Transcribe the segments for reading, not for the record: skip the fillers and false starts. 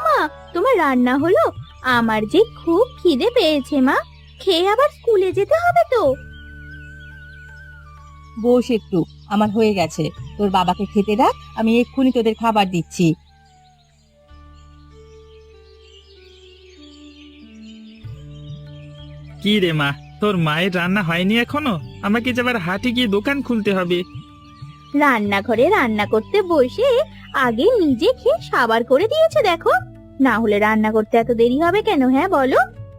মা, তোমার রান্না হলো? আমার যে খুব খিদে পেয়েছে মা, খেয়ে আবার স্কুলে যেতে হবে তো। বস একটু, আমার হয়ে গেছে। তোর বাবাকে খেতে ডাক, আমি এক্ষুনি তোদের খাবার দিচ্ছি। কি রে মা, তোর মায়ের রান্না হয়নি এখনো? আমাকে যে আবার হাটে গিয়ে দোকান খুলতে হবে। রান্নাঘরে রান্না করতে বসে আগে নিজে খেয়ে সাবার করে দিয়েছে দেখো। না হলে রান্না করতে এত দেরি হবে কেন, হ্যাঁ বলো?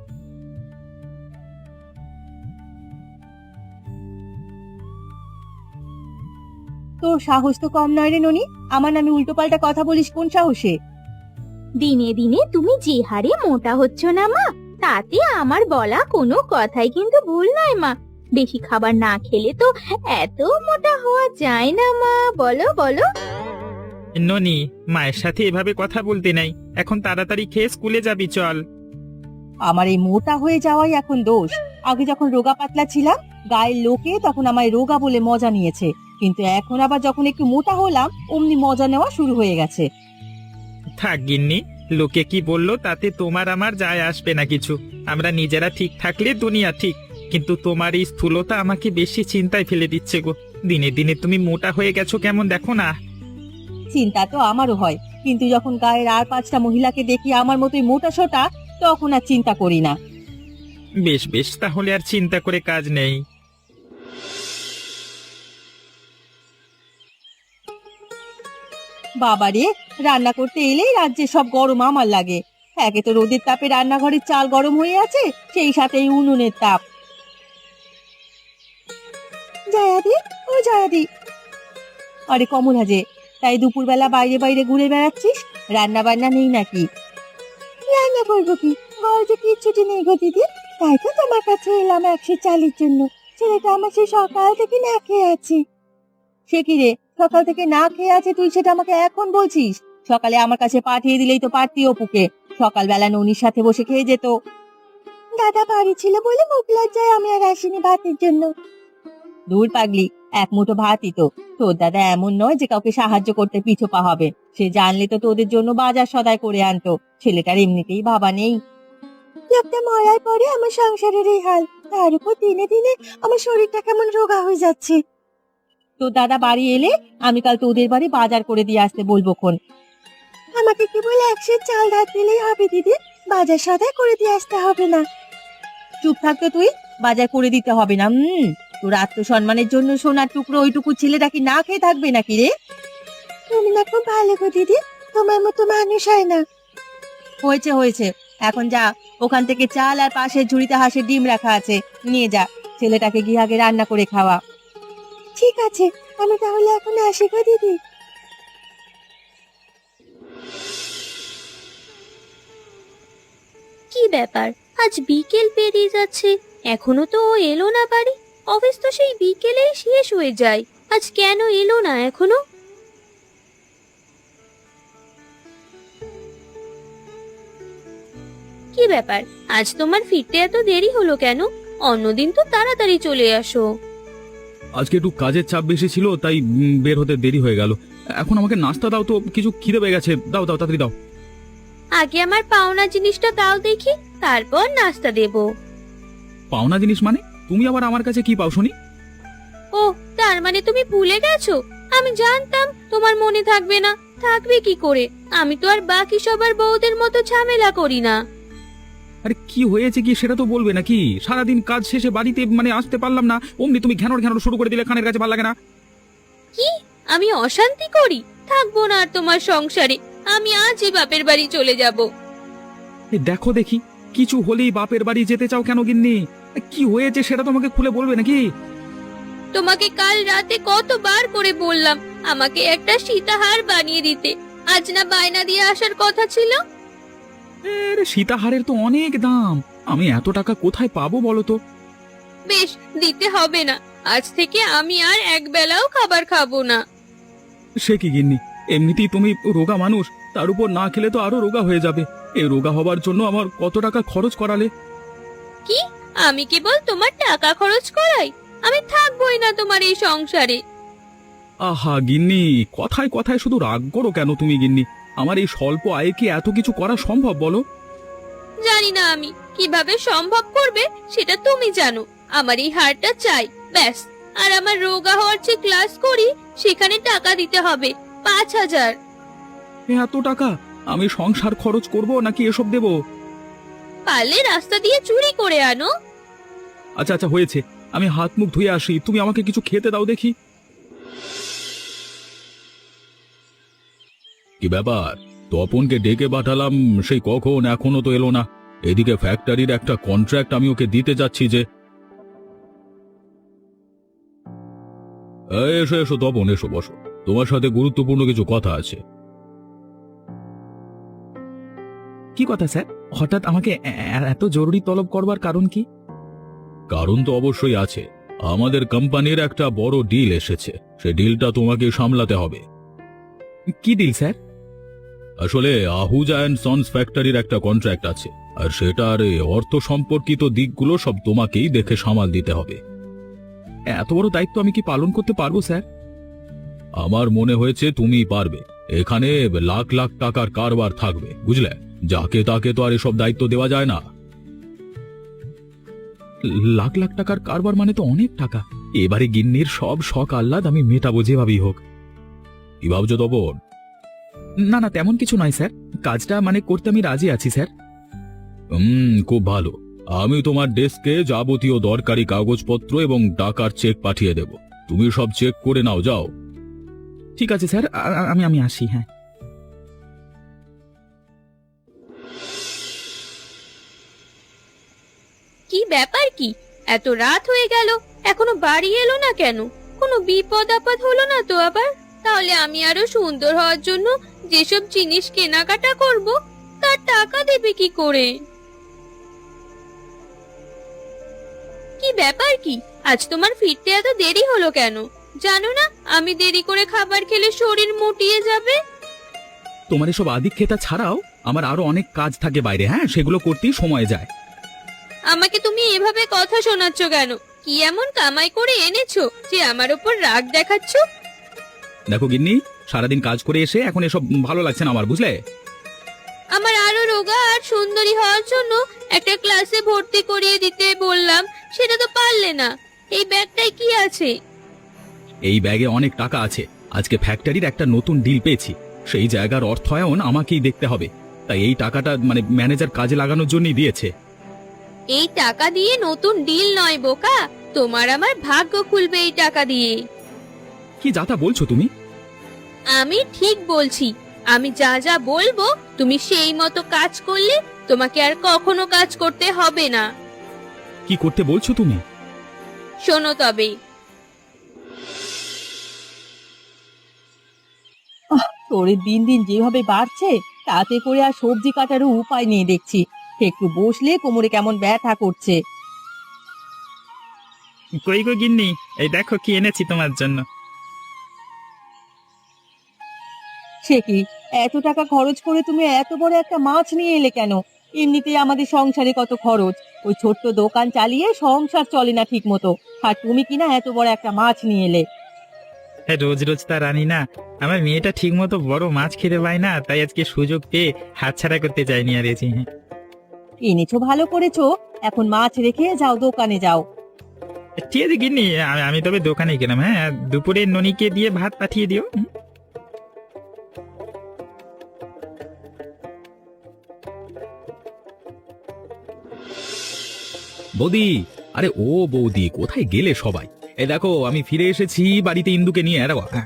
তোর সাহস তো কম নয় রে ননি, আমার নামে উল্টোপাল্টা কথা বলিস কোন সাহসে? দিনে দিনে তুমি যে হারে মোটা হচ্ছ না মা, তাতে আমার বলা কোনো কথাই কিন্তু ভুল নয় মা। বেশি খাবার না খেলে তো এত মোটা হওয়া যায় না মা, বলো বলো। ননি, মায়ের সাথে এভাবে কথা বলতে নাই। এখন তাড়াতাড়ি খেয়ে স্কুলে যাবি, চল। আমার এই মোটা হয়ে যাওয়াই এখন দোষ। আগে যখন রোগা পাতলা ছিলাম, গায়ের লোকে তখন আমায় রোগা বলে মজা নিয়েছে, কিন্তু এখন আবার যখন একটু মোটা হলাম, অমনি মজা নেওয়া শুরু হয়ে গেছে। থাক গিন্নি, লোকে কি বললো তাতে তোমার আমার যায় আসবে না কিছু। আমরা নিজেরা ঠিক থাকলে দুনিয়া ঠিক। কিন্তু তোমার এই স্থূলতা আমাকে বেশি চিন্তায় ফেলে দিচ্ছে গো। দিনে দিনে তুমি মোটা হয়ে গেছো কেমন, দেখো না। চিন্তা তো আমারও হয়, কিন্তু যখন গায়ের আর 5টা মহিলাকে দেখি আমার মতোই মোটা সোটা, তখন আর চিন্তা করি না। বেশ বেশ, তাহলে আর চিন্তা করে কাজ নেই। বাবারে, রান্না করতে এলেই রাজ্যে সব গরম আমার লাগে। একে তো রোদের তাপে রান্নাঘরের চাল গরম হয়ে আছে, সেই সাথে এই উনুনের তাপ। জয়াদি, ও জয়াদি। আরে কমলা যে, তাই দুপুরবেলা বাইরে বাইরে ঘুরে বেড়াচ্ছিস? রান্না বান্না নেই নাকি? রান্না করবো কি, ঘরে যে কিচ্ছুটি নেই গো দিদি। তাই তো তোমার কাছে এলাম 100 চালের জন্য। ছেলেটা আমার সে সকাল থেকে না খেয়ে আছে। সে কি রে, সকাল থেকে না খেয়ে আছে, তুই সেটা আমাকে এখন বলছিস? সকালে আমার কাছে পাঠিয়ে দিলেই তো পারতি অপুকে, সকালবেলা ননির সাথে বসে খেয়ে যেত। দাদা বাড়ি ছিল বলে মুখ লজ্জায় আমি আর আসিনি ভাতের জন্য। দূর পাগলি, এক মুঠো ভাতই তো। তোর দাদা এমন নয় যে কাউকে সাহায্য করতে পিছপা হবে। সে জানলে তো তোদের জন্য বাজার সদাই করে আনতো। ছেলেটার এমনিতেই বাবা নেই। লোকটা মরার পরে আমার সংসারের এই হাল, তার উপর দিনে দিনে আমার শরীরটা কেমন রোগা হয়ে যাচ্ছে। তোর দাদা বাড়ি এলে আমি কাল তোদের বাড়ি বাজার করে দিয়ে আসতে বলবো খন। আমাকে কেবল 100 চাল ধার দিলেই হবে দিদি, বাজার সদাই করে দিয়ে আসতে হবে না। চুপ থাকতো তুই, বাজার করে দিতে হবে না। তোর আত্মসম্মানের জন্য সোনার টুকরো ওইটুকু ছেলেটা কি না খেয়ে থাকবে নাকি রে? তুমি না খুব ভালো গো দিদি, তোমার মতো মানুষ হয় না। হয়েছে হয়েছে, এখন যা, ওখান থেকে চাল আর পাশের ঝুড়িতে হাঁসের ডিম রাখা আছে, নিয়ে যা। ছেলেটাকে গিয়ে আগে রান্না করে খাওয়া। ঠিক আছে, আমি তাহলে এখন আসি গো দিদি। কি ব্যাপার, আজ বিকেল পেরিয়ে যাচ্ছে, এখনো তো ও এলো না বাড়ি। অফিস তো সেই বিকেলেই শেষ হয়ে যায়, আজ কেন এলো না এখনো? কি ব্যাপার, আজ তোমার ফিরতে এত দেরি হলো কেন? অন্যদিন তো তাড়াতাড়ি চলে আসো। আজকে একটু কাজের চাপ বেশি ছিল, তাই বের হতে দেরি হয়ে গেল। এখন আমাকে নাস্তা দাও তো, কিছু খিদে পেয়ে গেছে। দাও দাও, তাড়াতাড়ি দাও। আগে আমার পাওনা জিনিসটা দাও দেখি, তারপর নাস্তা দেব। পাওনা জিনিস মানে? তুমি আবার আমার কাছে কি পাও শুনি? ও, তার মানে তুমি ভুলে গেছো? আমি জানতাম তোমার মনে থাকবে না। থাকবে কি করে, আমি তো আর বাকি সবার বউদের মতো ঝামেলা করি না। আরে কি হয়েছে কি সেটা তো বলবে নাকি? সারাদিন কাজ শেষে বাড়িতে আসতে পারলাম না, অমনি তুমি ঘ্যানোর ঘ্যানোর শুরু করে দিলে, কানের কাছে ভালো লাগে না? কি, আমি অশান্তি করি? থাকবো না আর তোমার সংসারে, আমি আজই বাপের বাড়ি চলে যাব। দেখো দেখি, কিছু হলেই বাপের বাড়ি যেতে চাও কেন গিন্নি? কি হয়েছে সেটা তোমাকে খুলে বলবে নাকি? তোমাকে কাল রাতে কতবার করে বললাম আমাকে একটা সীতাহার বানিয়ে দিতে, আজ না বায়না দিয়ে আসার কথা ছিল? সীতাহারের তো অনেক দাম, আমি এত টাকা কোথায় পাবো বলো তো? বেশ, দিতে হবে না, আজ থেকে আমি আর এক বেলাও খাবার খাবো না। সে কি গিন্নি, এমনিতেই তুমি রোগা মানুষ, তার উপর না খেলে তো আরো রোগা হয়ে যাবে। এই রোগা হবার জন্য আমার কত টাকা খরচ করালে। কি, আমি কেবল তোমার টাকা খরচ করাই? আমি থাকবোই না তোমার এই সংসারে। আহা গিন্নি, কথায় কথায় শুধু রাগ করো কেন তুমি গিন্নি? আমার এই স্বল্প আয়ে কি এত কিছু করা সম্ভব বলো? জানি না আমি কিভাবে সম্ভব করবে সেটা তুমি জানো। আমার এই হারটা চাই ব্যাস। আর আমার রোগা হওয়ার যে ক্লাস করি সেখানে টাকা দিতে হবে 5,000। এত টাকা আমি সংসার খরচ করব নাকি এসব দেব? পারলে রাস্তা দিয়ে চুরি করে আনো। আচ্ছা আচ্ছা হয়েছে, আমি হাত মুখ ধুয়ে আসি, তুমি আমাকে কিছু খেতে দাও দেখি। কি ব্যাপার, তপনকে ডেকে পাঠালাম সেই কখন, এখনো তো এলো না। এদিকে ফ্যাক্টরির একটা কন্ট্রাক্ট আমি ওকে দিতে যাচ্ছি যে। এসো এসো তপন, এসো বসো, তোমার সাথে গুরুত্বপূর্ণ কিছু কথা আছে। কি কথা স্যার? হঠাৎ আমাকে এত জরুরি তলব করবার কারণ কি? কারণ তো অবশ্যই আছে, আমাদের কোম্পানির একটা বড় ডিল এসেছে, সে ডিলটা তোমাকে সামলাতে হবে। কি ডিল স্যার? আসলে আহুজা অ্যান্ড সন্স ফ্যাক্টরির একটা কন্ট্রাক্ট আছে, আর সেটার অর্থ সম্পর্কিত দিকগুলো সব তোমাকেই দেখে সামাল দিতে হবে। এত বড় দায়িত্ব আমি কি পালন করতে পারবো স্যার? আমার মনে হয়েছে তুমিই পারবে। এখানে লাখ লাখ টাকার কারবার থাকবে, বুঝলে? যাকে তাকে তো আর এসব দায়িত্ব দেওয়া যায় না। লাখ লাখ টাকার কারবার মানে তো অনেক টাকা। এবারে গিন্নির সব শখ আহ্লাদ আমি মেটাবো যেভাবেই হোক। কি ভাবছো তপন? না না, তেমন কিছু নয় স্যার, কাজটা মানে করতে আমি রাজি আছি স্যার। খুব ভালো। আমি তোমার ডেস্কে যাবতীয় দরকারি কাগজপত্র এবং টাকার চেক পাঠিয়ে দেব, তুমি সব চেক করে নাও, যাও। ঠিক আছে স্যার, আমি আসি। হ্যাঁ। কি ব্যাপার কি, এত রাত হয়ে গেল এখনো বাড়ি এলো না কেন? কোনো বিপদ আপদ হলো না তো আবার? তাহলে আমি আরো সুন্দর হওয়ার জন্য যেসব জিনিস কেনাকাটা করব তার টাকা দেবে কি করে? কি ব্যাপার কি, আজ তোমার ফিরতে এত দেরি হলো কেন? জানো না আমি দেরি করে খাবার খেলে শরীর মুটিয়ে যাবে। তোমার এসব আদিক্ষেতা ছাড়াও আমার আরো অনেক কাজ থাকে বাইরে, হ্যাঁ, সেগুলো করতেই সময় যায়। আমাকে তুমি এভাবে কথা শোনাচ্ছ কেন? কি এমন কামাই করে এনেছো যে আমার উপর রাগ দেখাচ্ছ? দেখো গিন্নি, সারাদিন কাজ করে এসে এখন এসব ভালো লাগছে না আমার, বুঝলে? আমার আরো রোগা আর সুন্দরী হওয়ার জন্য একটা ক্লাসে ভর্তি করিয়ে দিতে বললাম, সেটা তো পারলে না। এই ব্যাগটায় কি আছে? এই ব্যাগে অনেক টাকা আছে। আজকে ফ্যাক্টরির একটা নতুন ডিল পেয়েছি, সেই জায়গার অর্থায়ন আমাকেই দেখতে হবে। তাই এই টাকাটা মানে ম্যানেজার কাজে লাগানোর জন্যই দিয়েছে। এই টাকা দিয়ে নতুন ডিল নয় বোকা, তোমার আমার ভাগ্য খুলবে এই টাকা দিয়ে। কি যাতা বলছো তুমি? আমি ঠিক বলছি। আমি যা যা বলবো তুমি সেই মতো কাজ করলে তোমাকে আর কখনো কাজ করতে হবে না। কি করতে বলছো তুমি? শোনো তবে। তোর দিন দিন যেভাবে বাড়ছে তাতে করে আর সবজি কাটারও উপায় নেই দেখছি। একটু বসলে কোমরে কেমন ব্যথা করছে। কই গো গিন্নি, এই দেখো কি এনেছি তোমার জন্য। সে কি, এত টাকা খরচ করে তুমি এত বড় একটা মাছ নিয়ে এলে কেন? এমনিতেই আমাদের সংসারে কত খরচ, ওই ছোট্ট দোকান চালিয়ে সংসার চলে না ঠিক মতো, আর তুমি কিনা এত বড় একটা মাছ নিয়ে এলে। রোজ রোজ তার আনি না, আমার মেয়েটা ঠিক মতো বড় মাছ খেতে পায় না, তাই আজকে সুযোগ পেয়ে হাতছাড়া করতে চাইনি আর এসে। এনেছো ভালো করেছো, এখন মাছ রেখে যাও, দোকানে যাও। ঠিক আছে গিন্নি, আমি তবে দোকানে গেলাম। হ্যাঁ, দুপুরে ননিকে দিয়ে ভাত পাঠিয়ে দিও। বৌদি, আরে ও বৌদি, কোথায় গেলে সবাই? এই দেখো আমি ফিরে এসেছি বাড়িতে ইন্দুকে নিয়ে। হ্যাঁ,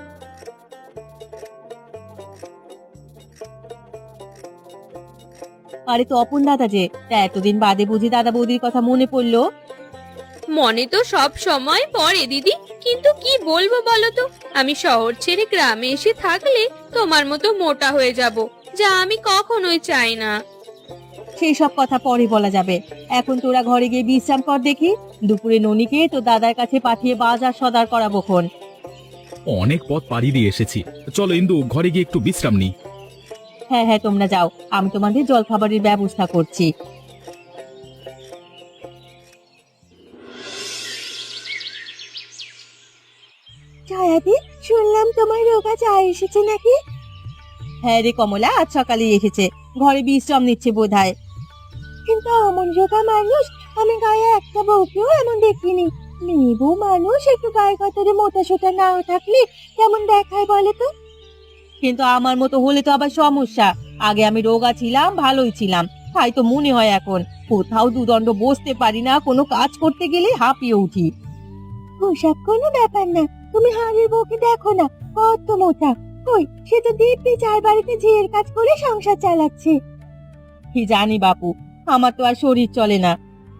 আরে তপন দাদা যে, তা এতদিন বাদে বুঝি দাদা বৌদির কথা মনে পড়লো? মনে তো সব সময় পড়ে দিদি, কিন্তু কি বলবো বলো তো, আমি শহর ছেড়ে গ্রামে এসে থাকলে তোমার মতো মোটা হয়ে যাব, যা আমি কখনোই চাই না। সেই সব কথা পরে বলা যাবে, এখন তোরা ঘরে গিয়ে বিশ্রাম কর দেখি। দুপুরে ননিকে তো দাদার কাছে পাঠিয়ে বাজার সদার করাবোক্ষণ। অনেক পথ পাড়ি দিয়ে এসেছি, চলো ইন্দু ঘরে গিয়ে একটু বিশ্রাম নিই। হ্যাঁ হ্যাঁ, তোমরা যাও, আমি তোমাদের জলখাবারের ব্যবস্থা করছি। ছায়াদি, শুনলাম তোমার রোগা চা এসেছে নাকি? হ্যাঁ রে কমলা, আজ সকালে এসেছে, ঘরে বিশ্রাম নিচ্ছে বোধহয়। কিন্তু অমন রোগা মানুষ আমি গায়ে একটা বউকেও এমন দেখিনি। মেয়ে বউ মানুষ একটু গায়ে কাতারে মোটা সোটা নাও থাকলে কেমন দেখায় বলে তো। কিন্তু আমার মতো হলে তো আবার সমস্যা। আগে আমি রোগা ছিলাম, ভালোই ছিলাম, তাই তো মনে হয় এখন কোথাও দুদণ্ড বসতে পারি না, কোনো কাজ করতে গেলে হাঁপিয়ে উঠি। ওসব কোনো ব্যাপার না, তুমি হাড়ের বউকে দেখো না, কত মোটা। কই, সে তো দিব্যি চার বাড়িতে ঝিয়ের কাজ করে সংসার চালাচ্ছে। কি জানি বাপু, আমার তো আর শরীর চলে না।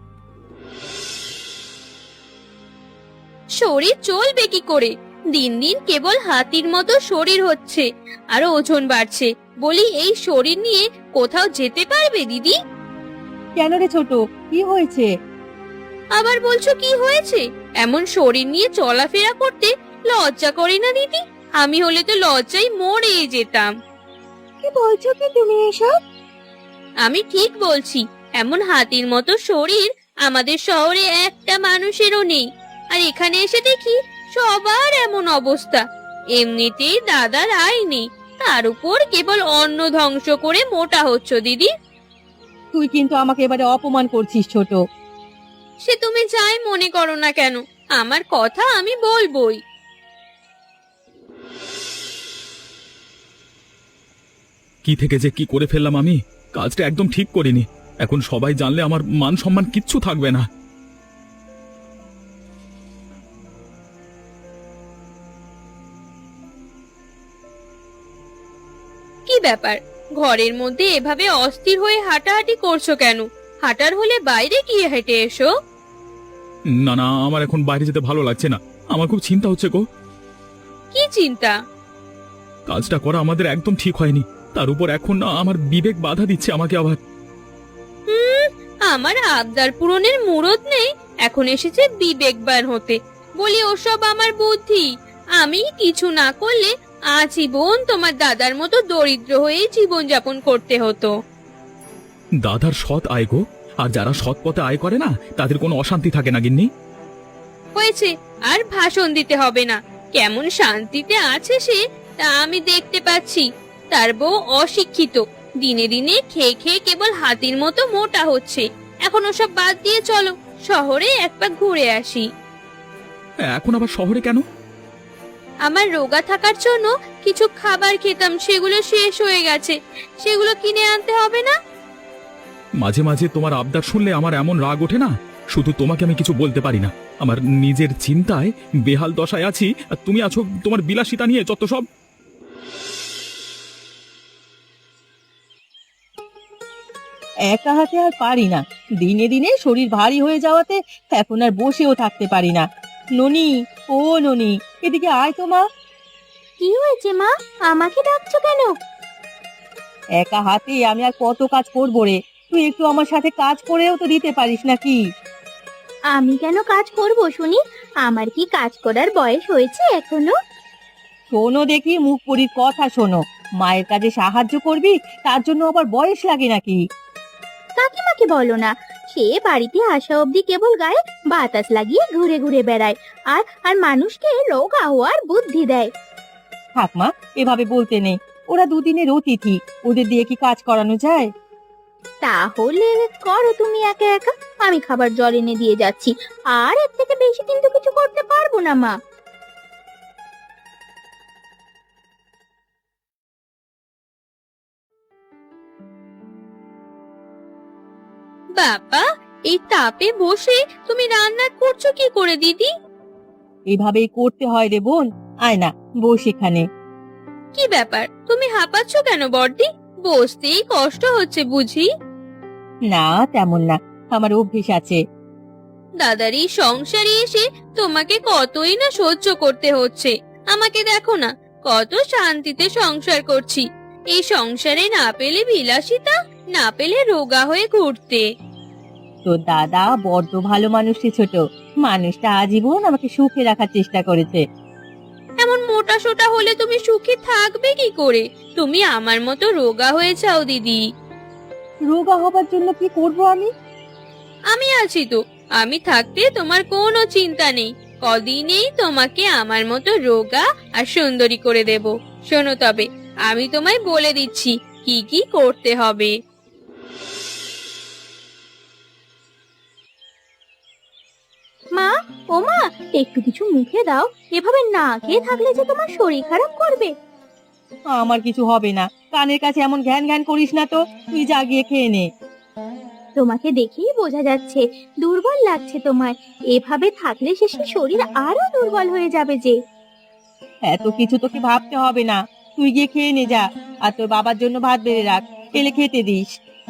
শরীর চলবে কি করে? দিন দিন কেবল হাতির মতো শরীর হচ্ছে, আর ওজন বাড়ছে। বলি, এই শরীর নিয়ে কোথাও যেতে পারবে দিদি? কেন রে ছোট, কি হয়েছে? আবার বলছো কি হয়েছে? এমন শরীর নিয়ে চলাফেরা করতে লজ্জা করে না দিদি? আমি হলে তো লজ্জায় মরে যেতাম। কি বলছো কি তুমি এসব? আমি ঠিক বলছি, এমন হাতির মতো শরীর আমাদের শহরে একটা মানুষেরও নেই। আর এখানে এসে দেখি সবার এমন অবস্থা। এমনিতেই দাদার আয় নেই, তার উপর কেবল অন্ন ধ্বংস করে মোটা হচ্ছ দিদি। তুই কিন্তু আমাকে এবারে অপমান করছিস ছোট। সে তুমি যাই মনে করো না কেন, আমার কথা আমি বলবোই। কি থেকে যে কি করে ফেললাম আমি, কাজটা একদম ঠিক করিনি। এখন সবাই জানলে আমার মান সম্মান কিচ্ছু থাকবে না। কি ব্যাপার, ঘরের মধ্যে এভাবে অস্থির হয়ে হাঁটাহাঁটি করছো কেন? হাঁটার হলে বাইরে গিয়ে হেঁটে এসো। না না, আমার এখন বাইরে যেতে ভালো লাগছে না, আমার খুব চিন্তা হচ্ছে গো। কি চিন্তা? কাজটা করা আমাদের একদম ঠিক হয়নি, তার উপর এখন না আমার বিবেক বাধা দিচ্ছে আমাকে আবার। আমার আবদার পূরণের মুরদ নেই, এখন এসেছে বিবেকবান হতে। বলি, ওসব আমার বুদ্ধি। আমি কিছু না করলে আজীবন তোমার দাদার মতো দরিদ্র হয়ে জীবন যাপন করতে হতো। দাদার সৎ আয় গো, আর যারা সৎ পথে আয় করে না তাদের কোনো অশান্তি থাকে না গিন্নি। হয়েছে, আর ভাষণ দিতে হবে না। কেমন শান্তিতে আছে সে, তা আমি দেখতে পাচ্ছি। তার বউ অশিক্ষিত, দিনে দিনে খেয়ে খেয়ে কেবল হাতির মতো মোটা হচ্ছে। এখন ওসব বাদ দিয়ে চলো শহরে এক পাক ঘুরে আসি। এখন আবার শহরে কেন? আমার রোগা থাকার জন্য কিছু খাবার খেতাম, সেগুলো শেষ হয়ে গেছে, সেগুলো কিনে আনতে হবে না? মাঝে মাঝে তোমার আবদার শুনলে আমার এমন রাগ ওঠে না, শুধু তোমাকে আমি কিছু বলতে পারি না। আমার নিজের চিন্তায় বেহাল দশায় আছি, আর তুমি আছো তোমার বিলাসিতা নিয়ে যত সব। একা হাতে আর পারি না, দিনে দিনে শরীর ভারী হয়ে যাওয়াতে এখন আর বসেও থাকতে পারি না। ননি, ও ননি, এদিকে আয় তো মা। কি হয়েছে মা, আমাকে ডাকছো কেন? একা হাতে আমি আর কত কাজ করবো রে, তুই একটু আমার সাথে কাজ করেও তো দিতে পারিস নাকি? আমি কেন কাজ করব শুনি? আমার কি কাজ করার বয়স হয়েছে এখনো? শোনো দেখি, মুখ পরির কথা শোনো। মায়ের কাজে সাহায্য করবি, তার জন্য আবার বয়স লাগে নাকি? কাকিমাকে বলো না, সে বাড়িতে আসা অবধি কেবল গায়ে বাতাস লাগিয়ে ঘুরে ঘুরে বেড়ায়, আর আর মানুষকে রোগা হওয়ার বুদ্ধি দেয়। থাক মা, এভাবে বলতে নেই। ওরা দুদিনের অতিথি, ওদের দিয়ে কি কাজ করানো যায়? তাহলে করো তুমি একা একা, আমি খাবার জল এনে দিয়ে যাচ্ছি। আর এর থেকে বেশি কিন্তু কিছু করতে পারবো না মা। বাবা, এই তাপে বসে তুমি রান্না করছো কি করে দিদি? এভাবেই করতে হয় রে বোন। আয় না, বস এখানে। কি ব্যাপার, তুমি হাঁপাচ্ছ কেন বড়দি? বসতেই কষ্ট হচ্ছে বুঝি? না, তেমন না, আমার অভ্যেস আছে। দাদার এই সংসারে এসে তোমাকে কতই না সহ্য করতে হচ্ছে। আমাকে দেখো না, কত শান্তিতে সংসার করছি। এই সংসারে না পেলে বিলাসিতা, না পেলে রোগা হয়ে ঘুরতে। তোর দাদা বড্ড ভালো মানুষ রে ছোট, মানুষটা আজীবন আমাকে সুখে রাখার চেষ্টা করেছে। এমন মোটা সোটা হলে তুমি সুখী থাকবে কি করে? তুমি আমার মতো রোগা হয়ে যাও দিদি। রোগা হবার জন্য কি করব আমি? আমি আছি তো, আমি থাকতে তোমার কোনো চিন্তা নেই। কদিনেই তোমাকে আমার মতো রোগা আর সুন্দরী করে দেব। শোনো তবে, আমি তোমায় বলে দিচ্ছি কি কি করতে হবে। মা, ও মা, একটু কিছু মুখে দাও। এভাবে না খেয়ে থাকলে যে তোমার শরীর খারাপ করবে। আমার কিছু হবে না, কানের কাছে এমন ঘ্যান ঘ্যান করিস না তো, তুই যা গিয়ে খেয়ে নে। তোমাকে দেখেই বোঝা যাচ্ছে দুর্বল লাগছে তোমায়। এভাবে থাকলে শেষে শরীর আরো দুর্বল হয়ে যাবে যে। এত কিছু তোকে ভাবতে হবে না, তুই গিয়ে খেয়ে নে যা। আর তোর বাবার জন্য ভাত বেড়ে রাখ, এলে খেতে দিস।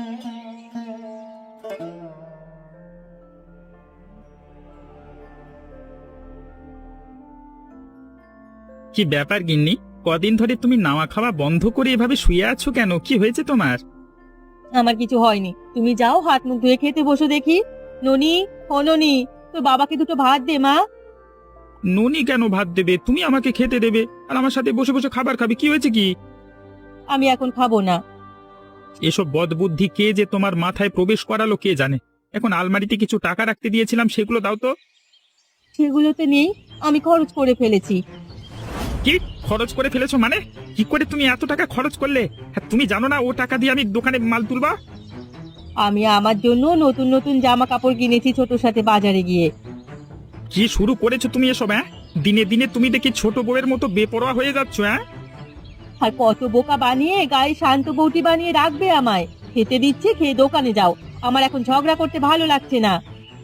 কি ব্যাপার গিন্নি, কদিন ধরে তুমি নাওয়া খাওয়া বন্ধ করে এভাবে শুয়ে আছো কেন? কি হয়েছে তোমার? আমার কিছু হয়নি, তুমি যাও হাত মুখ ধুয়ে খেতে বসো দেখি। ননি, ও ননি, তোর বাবাকে দুটো ভাত দে মা। ননি কেন ভাত দেবে? তুমি আমাকে খেতে দেবে আর আমার সাথে বসে বসে খাবার খাবে। কি হয়েছে কি? আমি এখন খাবো না। এসব বদবুদ্ধি কে যে তোমার মাথায় প্রবেশ করালো কে জানে। এখন আলমারিতে কিছু টাকা রাখতে দিয়েছিলাম, সেগুলো দাও তো। সেগুলোতে নেই, আমি খরচ করে ফেলেছি। কি খরচ করে ফেলেছো মানে? কি করে তুমি এত টাকা খরচ করলে? হ্যাঁ, তুমি জানো না ও টাকা দিয়ে আমি দোকানে মাল তুলবা? আমি আমার জন্য নতুন নতুন জামা কাপড় কিনেছি ছোটর সাথে বাজারে গিয়ে। কি শুরু করেছো তুমি এসব? হ্যাঁ, দিনে দিনে তুমি দেখি ছোট বউয়ের মতো বেপরোয়া হয়ে যাচ্ছ। হ্যাঁ, আর কত বোকা বানিয়ে গায়ে শান্ত বউটি বানিয়ে রাখবে আমায়। খেতে দিচ্ছে, খেয়ে দোকানে যাও। আমার এখন ঝগড়া করতে ভালো লাগছে না।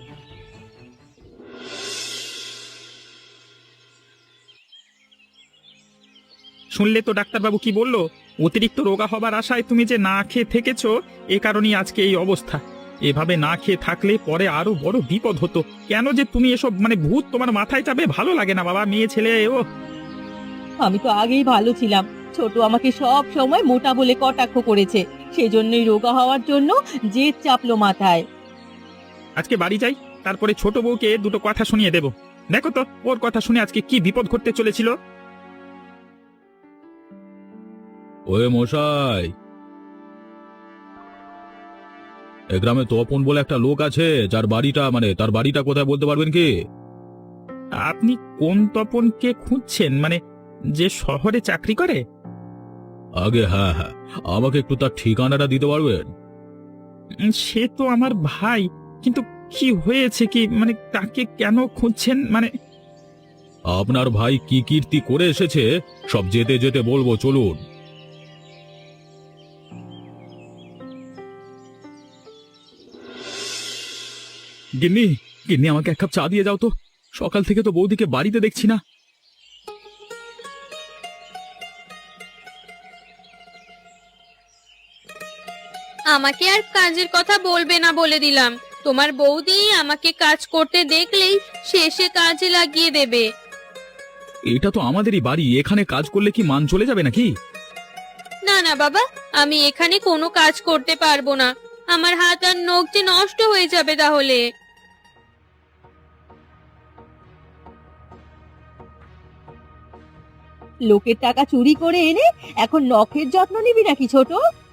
শুনলে তো ডাক্তারবাবু কি বললো? অতিরিক্ত রোগা হবার আশায় তুমি যে না খেয়ে থেকেছো, এ কারণেই আজকে এই অবস্থা। এভাবে না খেয়ে থাকলে পরে আরো বড় বিপদ হতো। কেন যে তুমি এসব ভূত তোমার মাথায় চাপে? ভালো লাগে না বাবা, মেয়ে ছেলে ও। আমি তো আগেই ভালো ছিলাম, ছোট আমাকে সব সময় মোটা বলে কটাক্ষ করেছে, সেজন্যই রোগা হওয়ার জন্য জেদ চাপলো মাথায়। আজকে বাড়ি যাই, তারপরে ছোট বউকে দুটো কথা শুনিয়ে দেব। দেখো তো ওর কথা শুনে আজকে কি বিপদ ঘটতে চলেছিল। ওয়ে মশাই, এ গ্রামে তপন বলে একটা লোক আছে, যার বাড়িটা তার বাড়িটা কোথায় বলতে পারবেন কি? আপনি কোন তপনকে খুঁজছেন? যে শহরে চাকরি করে? আগে হ্যাঁ হ্যাঁ, আমাকে একটু তার ঠিকানাটা দিতে পারবেন? সে তো আমার ভাই, কিন্তু কি হয়েছে কি? তাকে কেন খুঁজছেন? আপনার ভাই কি কীর্তি করে এসেছে সব যেতে যেতে বলবো, চলুন। গিন্নি, গিন্নি আমাকে এক কাপ চা দিয়ে যাও তো। সকাল থেকে তো বৌদিকে বাড়িতে দেখছি না। আমাকে আর কাজের কথা বলবে না বলে দিলাম। তোমার বৌদি আমাকে কাজ করতে দেখলেই শেষে কাজে লাগিয়ে দেবে। এটা তো আমাদেরই বাড়ি, এখানে কাজ করলে কি মান চলে যাবে নাকি? না না বাবা, আমি এখানে কোনো কাজ করতে পারবো না। আমার হাত আর নখ যে নষ্ট হয়ে যাবে তাহলে। লোকের টাকা চুরি করে এনে এখন নখের যত্ন নিবি নাকি ছোট?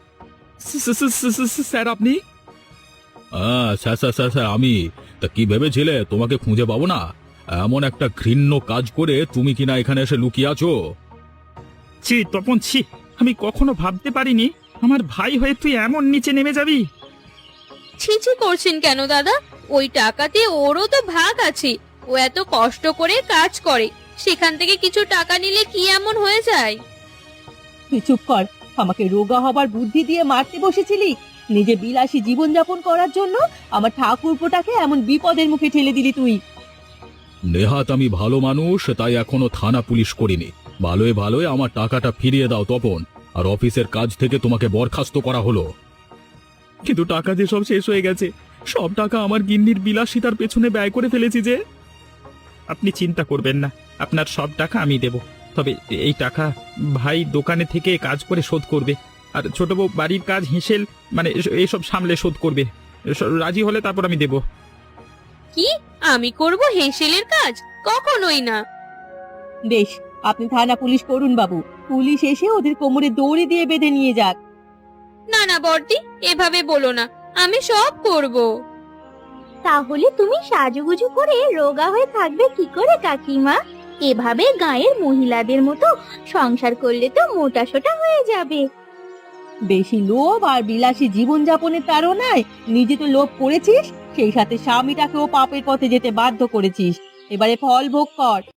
স্যার আপনি? স্যার স্যার স্যার স্যার আমি। তা কি ভেবেছিলে তোমাকে খুঁজে পাবো না? এমন একটা ঘৃণ্য কাজ করে তুমি কিনা এখানে এসে লুকিয়ে আছো। ছি তপন, ছি! আমি কখনো ভাবতে পারিনি আমার ভাই হয়ে তুই এমন নিচে নেমে যাবি। ছিছি করছেন কেন দাদা? ওই টাকাতে ওরও তো ভাগ আছে। ও এত কষ্ট করে কাজ করে, সেখান থেকে কিছু টাকা নিলে কি এমন হয়ে যায়? তুই চুপ কর, আমাকে রোগা হবার বুদ্ধি দিয়ে মারতে বসেছিলি। নিজে বিলাসী জীবনযাপন করার জন্য আমার ঠাকুরপোটাকে এমন বিপদের মুখে ঠেলে দিলি তুই। নেহাত আমি ভালো মানুষ, তাই এখনো থানা পুলিশ করিনি। ভালোই ভালোই আমার টাকাটা ফিরিয়ে দাও তপন, আর অফিসের কাজ থেকে তোমাকে বরখাস্ত করা হলো। কিন্তু টাকা যে সব শেষ হয়ে গেছে, সব টাকা আমার গিন্নির বিলাসিতার পেছনে ব্যয় করে ফেলেছি যে। আপনি চিন্তা করবেন না, আপনার সব টাকা আমি দেব। তবে এই টাকা ভাই দোকানে থেকে কাজ করে শোধ করবে, আর ছোট বউ বাড়ির কাজ হিসেল এইসব সামলে শোধ করবে। রাজি হলে তারপর আমি দেব। কি আমি করব হেঁসেলের কাজ? কখনোই না। বেশ, আপনি থানা পুলিশ করুন বাবু, পুলিশ এসে ওদের কোমরে দড়ি দিয়ে বেঁধে নিয়ে যাক। না না বর্দি, এভাবে বলো না, আমি সব করব। তাহলে তুমি সাজুগুজু করে রোগা হয়ে থাকবে কি করে কাকিমা? এভাবে গায়ের মহিলাদের মতো সংসার করলে তো মোটাসোটা হয়ে যাবে। বেশি লোভ আর বিলাসী জীবনযাপনের তাড়নায় নিজে তো লোভ করেছিস, সেই সাথে স্বামীটাকেও পাপের পথে যেতে বাধ্য করেছিস। এবারে ফল ভোগ কর।